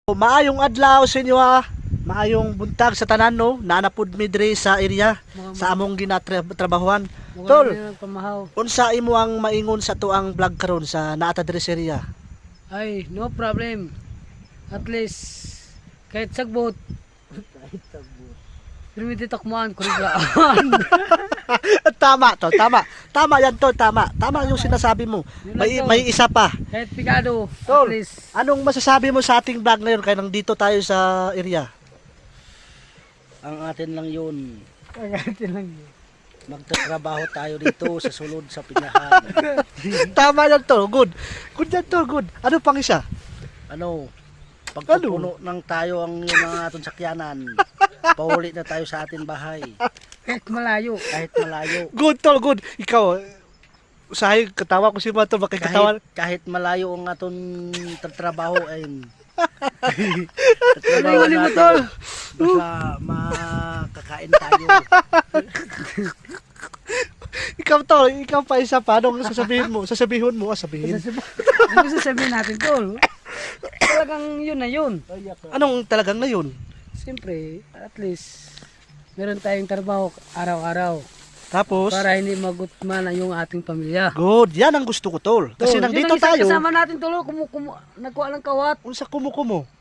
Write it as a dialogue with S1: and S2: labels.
S1: Maayong adlaw sa inyo ha. Maayong buntag sa tanan no. Nanapud mi diri sa area sa among ginatrabahuan. Tol, unsa imo ang maingon sa tuang vlog karon sa naata diri sa area?
S2: Ay, no problem. At least kahit sagbot. Pero may titakmuhan, kuriglaan.
S1: Tama to, tama. Tama yan to, tama. Tama yung sinasabi mo. May isa pa.
S2: Kahit pikado,
S1: Tol,
S2: at least.
S1: anong masasabi mo sa ating vlog ngayon kaya nandito tayo sa area?
S3: Ang atin lang yun,
S2: Kagatin lang yun.
S3: magtatrabaho tayo dito sa sulod sa Pinahan.
S1: Tama yan to, good. Good yan to, good. Ano pang isa?
S3: Ano, pagpupuno ng tayo ang yung mga aton sakyanan, pauli na tayo sa atin bahay,
S2: Kahit malayo.
S3: kahit malayo.
S1: Good to, good. Ikaw, usahay, katawa ko si Mato, makikatawa.
S3: Kahit malayo ang aton trabaho ay
S2: Ano yung mo, tol?
S3: basta makakain tayo.
S1: Ikaw to, ikaw pa isa pa. Anong sasabihin mo? Sasabihin mo, sabihin.
S2: Ano sasabihin natin, tol? Talagang yun na yun.
S1: Anong talagang na yun?
S2: Siyempre, at least, meron tayong trabaho araw-araw.
S1: Tapos,
S2: Para hindi magutman yung ating pamilya.
S1: good. Yan ang gusto ko, tol. Kasi
S2: Tol,
S1: nandito
S2: yun ang isang
S1: tayo.
S2: kasama natin, tol. Nagkuha ng kawat.
S1: Unsa kumukumo?